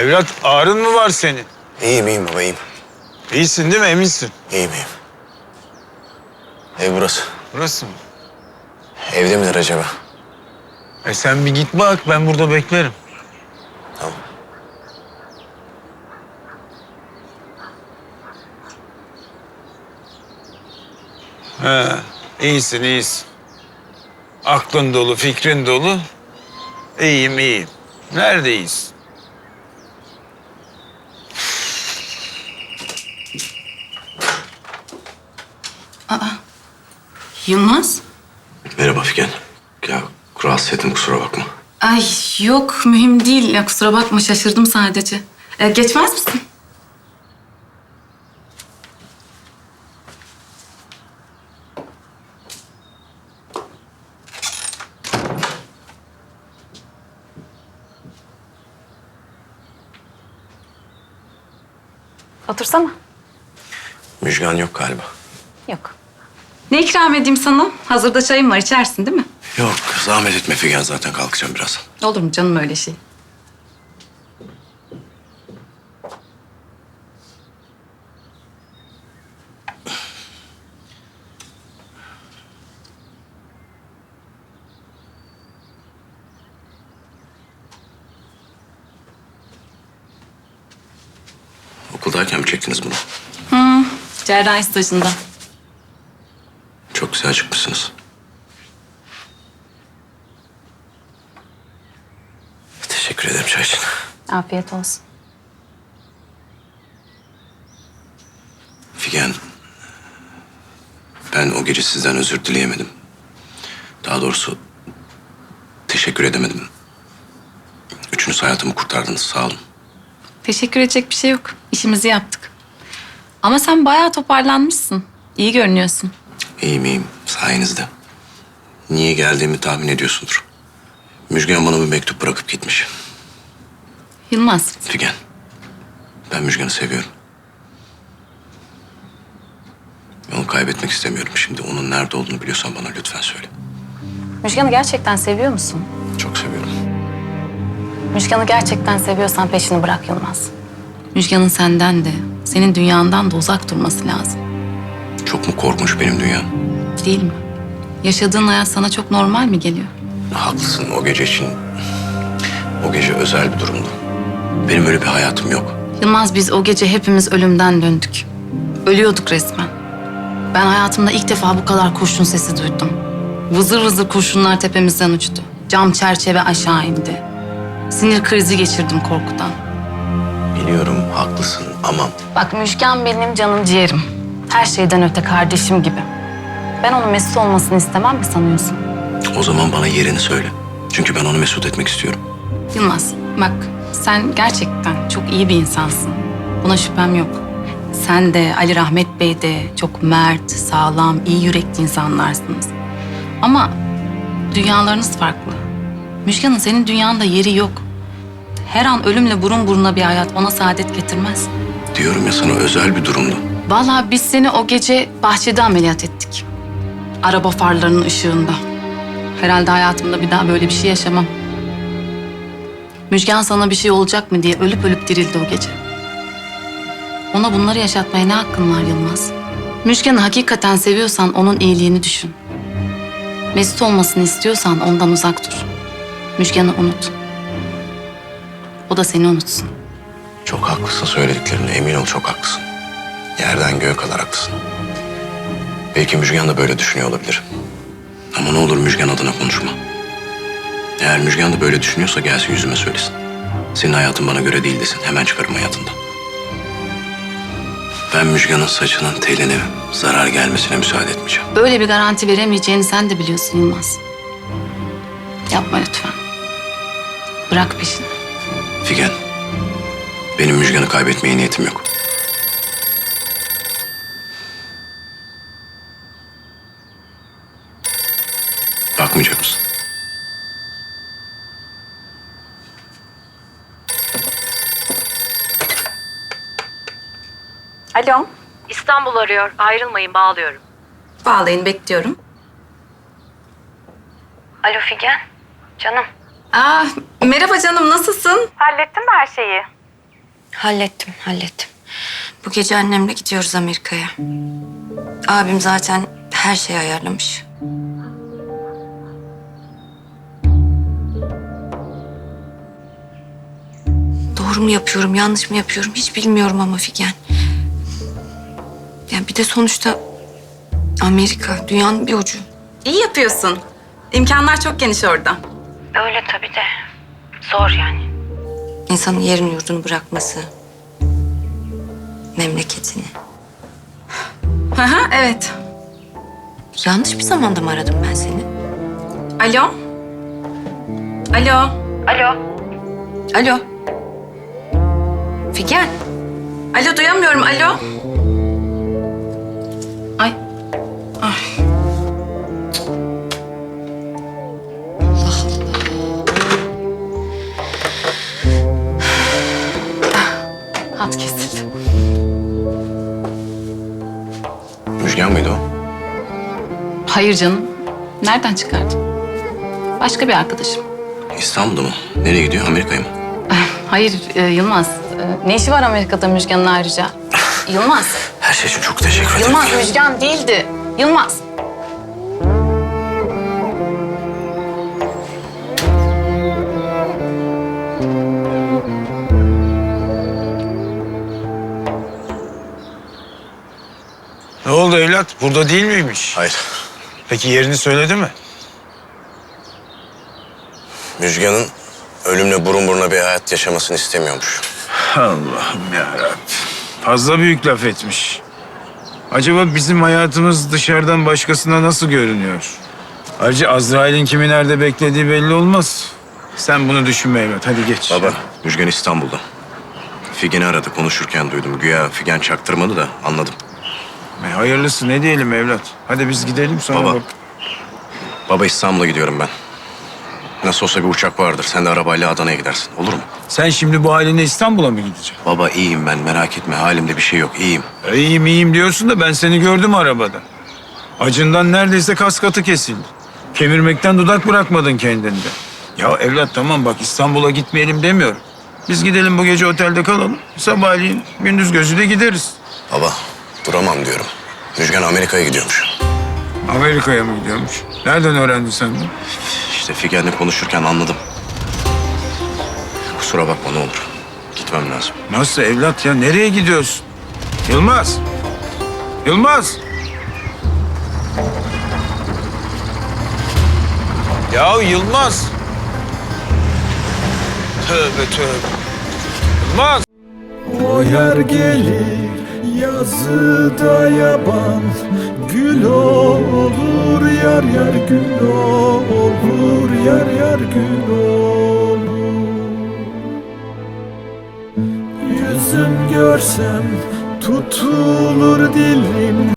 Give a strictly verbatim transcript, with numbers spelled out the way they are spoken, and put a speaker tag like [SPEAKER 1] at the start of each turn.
[SPEAKER 1] Evlat ağrın mı var senin?
[SPEAKER 2] İyiyim iyiyim baba iyiyim.
[SPEAKER 1] İyisin değil mi? Eminsin.
[SPEAKER 2] İyiyim iyiyim. Ev burası.
[SPEAKER 1] Burası mı?
[SPEAKER 2] Evde midir acaba?
[SPEAKER 1] E sen bir git bak, ben burada beklerim.
[SPEAKER 2] Tamam.
[SPEAKER 1] He, iyisin iyisin. Aklın dolu, fikrin dolu. İyiyim iyiyim. Neredeyiz?
[SPEAKER 3] Yılmaz?
[SPEAKER 2] Merhaba Figen. Ya rahatsız ettim kusura bakma.
[SPEAKER 3] Ay yok mühim değil. Ya, kusura bakma şaşırdım sadece. E, geçmez misin? Otursana.
[SPEAKER 2] Müjgan yok galiba.
[SPEAKER 3] Yok. Ne ikram edeyim sana? Hazırda çayım var, içersin değil mi?
[SPEAKER 2] Yok zahmet etme Figen zaten kalkacağım birazdan.
[SPEAKER 3] Olur mu canım öyle şey?
[SPEAKER 2] Okuldayken mi çektiniz bunu?
[SPEAKER 3] Hı, cerrahi stajında.
[SPEAKER 2] Çok güzel çıkmışsınız. Teşekkür ederim çay için.
[SPEAKER 3] Afiyet olsun.
[SPEAKER 2] Figen, ben o gece sizden özür dileyemedim. Daha doğrusu teşekkür edemedim. Üçünüz hayatımı kurtardınız, sağ olun.
[SPEAKER 3] Teşekkür edecek bir şey yok. İşimizi yaptık. Ama sen bayağı toparlanmışsın. İyi görünüyorsun.
[SPEAKER 2] İyiyim iyiyim, sayenizde. Niye geldiğimi tahmin ediyorsundur. Müjgan bana bir mektup bırakıp gitmiş.
[SPEAKER 3] Yılmaz,
[SPEAKER 2] Figen, ben Müjgan'ı seviyorum. Onu kaybetmek istemiyorum. Şimdi onun nerede olduğunu biliyorsan bana lütfen söyle.
[SPEAKER 3] Müjgan'ı gerçekten seviyor musun?
[SPEAKER 2] Çok seviyorum.
[SPEAKER 3] Müjgan'ı gerçekten seviyorsan peşini bırak Yılmaz. Müjgan'ın senden de, senin dünyandan da uzak durması lazım.
[SPEAKER 2] Çok mu korkunç benim dünyam?
[SPEAKER 3] Değil mi? Yaşadığın hayat sana çok normal mi geliyor?
[SPEAKER 2] Haklısın o gece için. O gece özel bir durumdu. Benim öyle bir hayatım yok.
[SPEAKER 3] Yılmaz, biz o gece hepimiz ölümden döndük. Ölüyorduk resmen. Ben hayatımda ilk defa bu kadar kurşun sesi duydum. Vızır vızır kurşunlar tepemizden uçtu. Cam çerçeve aşağı indi. Sinir krizi geçirdim korkudan.
[SPEAKER 2] Biliyorum haklısın ama
[SPEAKER 3] Bak Müjgan benim canım ciğerim. Her şeyden öte kardeşim gibi. Ben onun mesut olmasını istemem mi sanıyorsun?
[SPEAKER 2] o zaman bana yerini söyle. Çünkü ben onu mesut etmek istiyorum.
[SPEAKER 3] Yılmaz, bak sen gerçekten çok iyi bir insansın. Buna şüphem yok. Sen de Ali Rahmet Bey de çok mert, sağlam, iyi yürekli insanlarsınız. Ama dünyalarınız farklı. Müjgan'ın senin dünyanda yeri yok. Her an ölümle burun buruna bir hayat ona saadet getirmez.
[SPEAKER 2] Diyorum ya sana özel bir durumdu.
[SPEAKER 3] Vallahi biz seni o gece bahçede ameliyat ettik. Araba farlarının ışığında. Herhalde hayatımda bir daha böyle bir şey yaşamam. Müjgan sana bir şey olacak mı diye ölüp ölüp dirildi o gece. Ona bunları yaşatmaya ne hakkın var Yılmaz? Müjgan'ı hakikaten seviyorsan onun iyiliğini düşün. Mesut olmasını istiyorsan ondan uzak dur. Müjgan'ı unut. O da seni unutsun.
[SPEAKER 2] Çok haklısın söylediklerine emin ol çok haklısın. Yerden göğe kadar haklısın. Belki Müjgan da böyle düşünüyor olabilir. Ama ne olur Müjgan adına konuşma. Eğer Müjgan da böyle düşünüyorsa gelsin yüzüme söylesin. Senin hayatın bana göre değil desin. Hemen çıkarım hayatından. Ben Müjgan'ın saçının teline zarar gelmesine müsaade etmeyeceğim.
[SPEAKER 3] Böyle bir garanti veremeyeceğini sen de biliyorsun Yılmaz. Yapma lütfen. Bırak peşini.
[SPEAKER 2] Figen, benim Müjgan'ı kaybetmeye niyetim yok. Bakmayacak mısın?
[SPEAKER 3] Alo.
[SPEAKER 4] İstanbul arıyor. Ayrılmayın, bağlıyorum.
[SPEAKER 3] Bağlayın, bekliyorum.
[SPEAKER 4] Alo Figen. Canım.
[SPEAKER 3] Aa, merhaba canım, nasılsın?
[SPEAKER 4] Hallettin mi her şeyi?
[SPEAKER 5] Hallettim, hallettim. Bu gece annemle gidiyoruz Amerika'ya. Abim zaten her şeyi ayarlamış. Doğru mu yapıyorum, yanlış mı yapıyorum hiç bilmiyorum ama Figen. Yani bir de sonuçta Amerika, dünyanın bir ucu.
[SPEAKER 3] İyi yapıyorsun. İmkanlar çok geniş orada.
[SPEAKER 5] Öyle tabii de. Zor yani. İnsanın yerini yurdunu bırakması. Memleketini.
[SPEAKER 3] Hı hı, evet.
[SPEAKER 5] Yanlış bir zamanda mı aradım ben seni?
[SPEAKER 3] Alo? Alo?
[SPEAKER 5] Alo. Alo. Figen.
[SPEAKER 3] Alo, duyamıyorum. Alo? Ay. Ay. Hat kesildi.
[SPEAKER 2] Müjgan mıydı o?
[SPEAKER 3] Hayır canım. Nereden çıkardın? Başka bir arkadaşım.
[SPEAKER 2] İstanbul'da mı? Nereye gidiyor? Amerika'ya mı?
[SPEAKER 3] Hayır e, Yılmaz. E, ne işi var Amerika'da Müjgan'ın ayrıca? Yılmaz.
[SPEAKER 2] Her şey için çok teşekkür ederim.
[SPEAKER 3] Yılmaz Müjgan değildi. Yılmaz.
[SPEAKER 1] Ne oldu evlat? Burada değil miymiş?
[SPEAKER 2] Hayır.
[SPEAKER 1] Peki yerini söyledi mi?
[SPEAKER 2] Müjgan'ın ölümle burun buruna bir hayat yaşamasını istemiyormuş.
[SPEAKER 1] Allah'ım yarabbim. Fazla büyük laf etmiş. Acaba bizim hayatımız dışarıdan başkasına nasıl görünüyor? Ayrıca Azrail'in kimi nerede beklediği belli olmaz. Sen bunu düşünme evlat. Hadi geç.
[SPEAKER 2] Baba, Müjgan İstanbul'da. Figen'i aradı, konuşurken duydum. Güya Figen çaktırmadı da anladım.
[SPEAKER 1] E, hayırlısı ne diyelim evlat. Hadi biz gidelim sonra
[SPEAKER 2] Baba.
[SPEAKER 1] bak.
[SPEAKER 2] Baba İstanbul'a gidiyorum ben. Nasıl olsa bir uçak vardır. Sen de arabayla Adana'ya gidersin. Olur mu?
[SPEAKER 1] Sen şimdi bu haline İstanbul'a mı gideceksin?
[SPEAKER 2] Baba iyiyim ben, merak etme. Halimde bir şey yok, iyiyim.
[SPEAKER 1] E, iyiyim iyiyim diyorsun da ben seni gördüm arabada. Acından neredeyse kas katı kesildi. Kemirmekten dudak bırakmadın kendinde. Ya evlat tamam bak İstanbul'a gitmeyelim demiyorum. Biz gidelim bu gece otelde kalalım. Sabahleyin gündüz gözüyle gideriz.
[SPEAKER 2] Baba, duramam diyorum. Müjgan Amerika'ya gidiyormuş.
[SPEAKER 1] Amerika'ya mı gidiyormuş? Nereden öğrendin sen bunu?
[SPEAKER 2] İşte Figen'le konuşurken anladım. Kusura bakma ne olur. Gitmem lazım.
[SPEAKER 1] Nasıl evlat ya? Nereye gidiyorsun? Yılmaz! Yılmaz! Ya Yılmaz! Tövbe tövbe. Yılmaz!
[SPEAKER 6] O yer gelir yazıda yaban, gül olur yar yar gül olur yar yar gül olur. Yüzüm görsem tutulur dilim.